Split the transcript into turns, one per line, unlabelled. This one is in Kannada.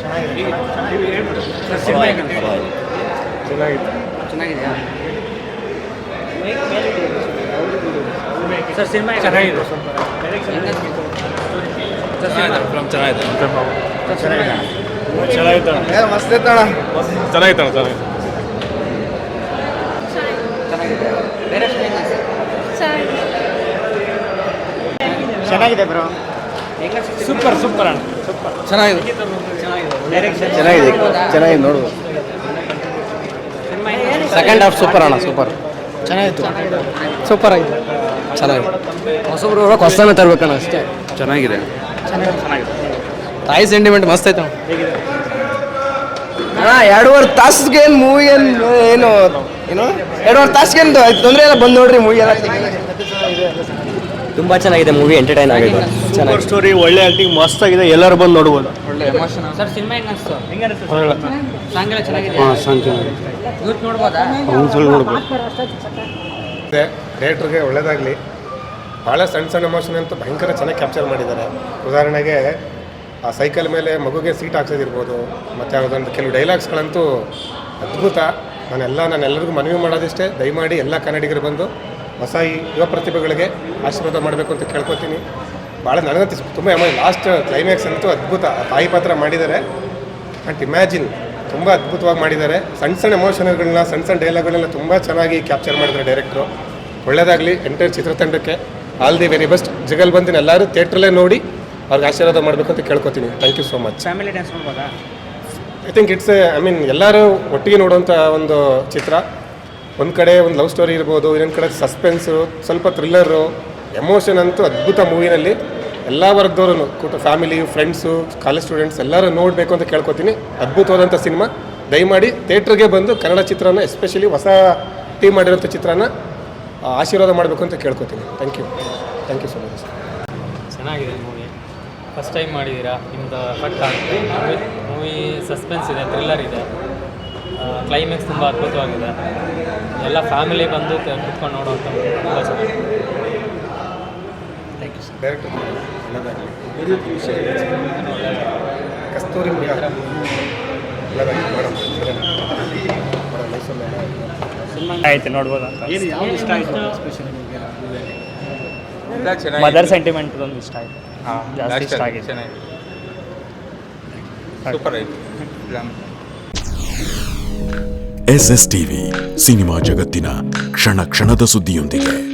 ಚೆನ್ನಾಗಿದೆಯಾ ಸರ್? ಸಿನಿಮಾ ಚೆನ್ನಾಗಿದೆ. ಚೆನ್ನಾಗಿದೆ ಬ್ರೋ. ಸೂಪರ್ ಸೂಪರ್ ಅಣ್ಣ, ಸೂಪರ್ ಚೆನ್ನಾಗಿದೆ.
ಚೆನ್ನಾಗಿದೆ ನೋಡುವ. ಸೆಕೆಂಡ್ ಹಾಫ್ ಸೂಪರ್ ಅಣ್ಣ, ಸೂಪರ್ ಚೆನ್ನಾಗಿತ್ತು. ಸೂಪರ್ ಆಗಿದೆ, ಚೆನ್ನಾಗಿದೆ. ಹೊಸಬ್ರು ಹೊಸದನ್ನ ತರ್ಬೇಕಣ್ಣ ಅಷ್ಟೇ. ಚೆನ್ನಾಗಿದೆ. ತಾಯಿ ಸೆಂಟಿಮೆಂಟ್ ಮಸ್ತ್ ಆಯ್ತು ಅಣ್ಣ. 2.5 ತಾಸಿಗೆ ಏನು ಮೂವಿ ಏನು 2.5 ತಾಸಿಗೆ ಏನು ತೊಂದರೆ ಎಲ್ಲ ಬಂದು ನೋಡ್ರಿ ಮೂವಿ ಎಲ್ಲ. ತುಂಬ ಚೆನ್ನಾಗಿದೆ ಮೂವಿ, ಎಂಟರ್ಟೈನ್ ಆಗಿದೆ. ಚೆನ್ನಾಗಿ ಸ್ಟೋರಿ, ಒಳ್ಳೆ ಆಕ್ಟಿಂಗ್ ಮಸ್ತ್ ಆಗಿದೆ, ಎಲ್ಲರೂ ಬಂದು ನೋಡ್ಬೋದು. ಒಳ್ಳೆ ಎಮೋಷನ್.
ಸರ್ ಸಿನಿಮಾ ಹೆಂಗೆ ಅನಿಸ್ತು? ಸಾಂಗ್ ಎಲ್ಲ ಚೆನ್ನಾಗಿದೆ. ಯೂತ್ ನೋಡ್ಬೋದಾ?
ನೋಡ್ಬೋದು. ಥಿಯೇಟ್ರಿಗೆ ಒಳ್ಳೇದಾಗಲಿ. ಭಾಳ ಸಣ್ಣ ಎಮೋಷನ್ ಅಂತೂ ಭಯಂಕರ ಚೆನ್ನಾಗಿ ಕ್ಯಾಪ್ಚರ್ ಮಾಡಿದ್ದಾರೆ. ಉದಾಹರಣೆಗೆ ಆ ಸೈಕಲ್ ಮೇಲೆ ಮಗುಗೆ ಸೀಟ್ ಹಾಕ್ಸೋದಿರ್ಬೋದು, ಮತ್ತು ಯಾವುದೊಂದು ಕೆಲವು ಡೈಲಾಗ್ಸ್ಗಳಂತೂ ಅದ್ಭುತ. ನಾನೆಲ್ಲರಿಗೂ ಮನವಿ ಮಾಡೋದಿಷ್ಟೇ, ದಯಮಾಡಿ ಎಲ್ಲ ಕನ್ನಡಿಗರು ಬಂದು ಹೊಸ ಯುವ ಪ್ರತಿಭೆಗಳಿಗೆ ಆಶೀರ್ವಾದ ಮಾಡಬೇಕು ಅಂತ ಕೇಳ್ಕೊತೀನಿ. ಭಾಳ ನನಗಂತೂ ತುಂಬ ಲಾಸ್ಟ್ ಕ್ಲೈಮ್ಯಾಕ್ಸ್ ಅಂತೂ ಅದ್ಭುತ. ತಾಯಿ ಪಾತ್ರ ಮಾಡಿದ್ದಾರೆ. ಅಂಡ್ ಇಮ್ಯಾಜಿನ್ ತುಂಬ ಅದ್ಭುತವಾಗಿ ಮಾಡಿದ್ದಾರೆ. ಸಣ್ಣ ಎಮೋಷನ್ಗಳನ್ನ, ಸಣ್ಣ ಡೈಲಾಗ್ಗಳನ್ನ ತುಂಬ ಚೆನ್ನಾಗಿ ಕ್ಯಾಪ್ಚರ್ ಮಾಡಿದ್ದಾರೆ ಡೈರೆಕ್ಟ್ರು. ಒಳ್ಳೆಯದಾಗಲಿ ಎಂಟೈರ್ ಚಿತ್ರತಂಡಕ್ಕೆ. All the very best. ಜಗಲ್ ಬಂದಿನ ಎಲ್ಲರೂ ಥಿಯೇಟ್ರಲ್ಲೇ ನೋಡಿ ಅವ್ರಿಗೆ ಆಶೀರ್ವಾದ ಮಾಡಬೇಕು ಅಂತ ಕೇಳ್ಕೊತೀನಿ. Thank you so much.
Family dance ನೋಡ್ಬೋದಾ?
ಐ ಥಿಂಕ್ ಇಟ್ಸ್ ಎಲ್ಲರೂ ಒಟ್ಟಿಗೆ ನೋಡುವಂಥ ಒಂದು ಚಿತ್ರ. ಒಂದು ಕಡೆ ಒಂದು ಲವ್ ಸ್ಟೋರಿ ಇರ್ಬೋದು, ಇನ್ನೊಂದು ಕಡೆ ಸಸ್ಪೆನ್ಸು, ಸ್ವಲ್ಪ ಥ್ರಿಲ್ಲರು, ಎಮೋಷನ್ ಅಂತೂ ಅದ್ಭುತ ಮೂವಿನಲ್ಲಿ. ಎಲ್ಲ ವರ್ಗದವ್ರೂ ಫ್ಯಾಮಿಲಿ, ಫ್ರೆಂಡ್ಸು, ಕಾಲೇಜ್ ಸ್ಟೂಡೆಂಟ್ಸ್ ಎಲ್ಲರೂ ನೋಡಬೇಕು ಅಂತ ಕೇಳ್ಕೊತೀನಿ. ಅದ್ಭುತವಾದಂಥ ಸಿನಿಮಾ. ದಯಮಾಡಿ ಥಿಯೇಟ್ರಿಗೆ ಬಂದು ಕನ್ನಡ ಚಿತ್ರನ, ಎಸ್ಪೆಷಲಿ ಹೊಸ ಟೀಮ್ ಮಾಡಿರೋಂಥ ಚಿತ್ರನ ಆಶೀರ್ವಾದ ಮಾಡಬೇಕು ಅಂತ ಕೇಳ್ಕೊತೀನಿ. Thank you so much.
ಚೆನ್ನಾಗಿದೆ ಮೂವಿ. ಫಸ್ಟ್ ಟೈಮ್ ಮಾಡಿದ್ದೀರಾ, ನಿಮ್ಮದು ಎಫೆಕ್ಟ್ ಆಗುತ್ತೆ. ಮೂವಿ ಸಸ್ಪೆನ್ಸ್ ಇದೆ, ಥ್ರಿಲ್ಲರ್ ಇದೆ, ಕ್ಲೈಮ್ಯಾಕ್ಸ್ ತುಂಬ ಅದ್ಭುತವಾಗಿದೆ. ಎಲ್ಲ ಫ್ಯಾಮಿಲಿ ಬಂದು ಕುತ್ಕೊಂಡು ನೋಡುವಂಥ ತುಂಬ ಚೆನ್ನಾಗಿದೆ.
Thank you sir. Director Kasturi
ಆಯ್ತು, ನೋಡ್ಬೋದು ಅಂತ. ಯಾವ್ದು ಇಷ್ಟ ಆಯಿತು? ಮದರ್ ಸೆಂಟಿಮೆಂಟ್ ಒಂದು ಇಷ್ಟ ಆಯಿತು. ಜಾಸ್ತಿ ಇಷ್ಟ ಆಗಿದೆ.
ಸೂಪರ್ ಆಯಿತು.
SS ಟಿವಿ ಸಿನಿಮಾ ಜಗತ್ತಿನ ಕ್ಷಣ ಕ್ಷಣದ ಸುದ್ದಿಯೊಂದಿಗೆ.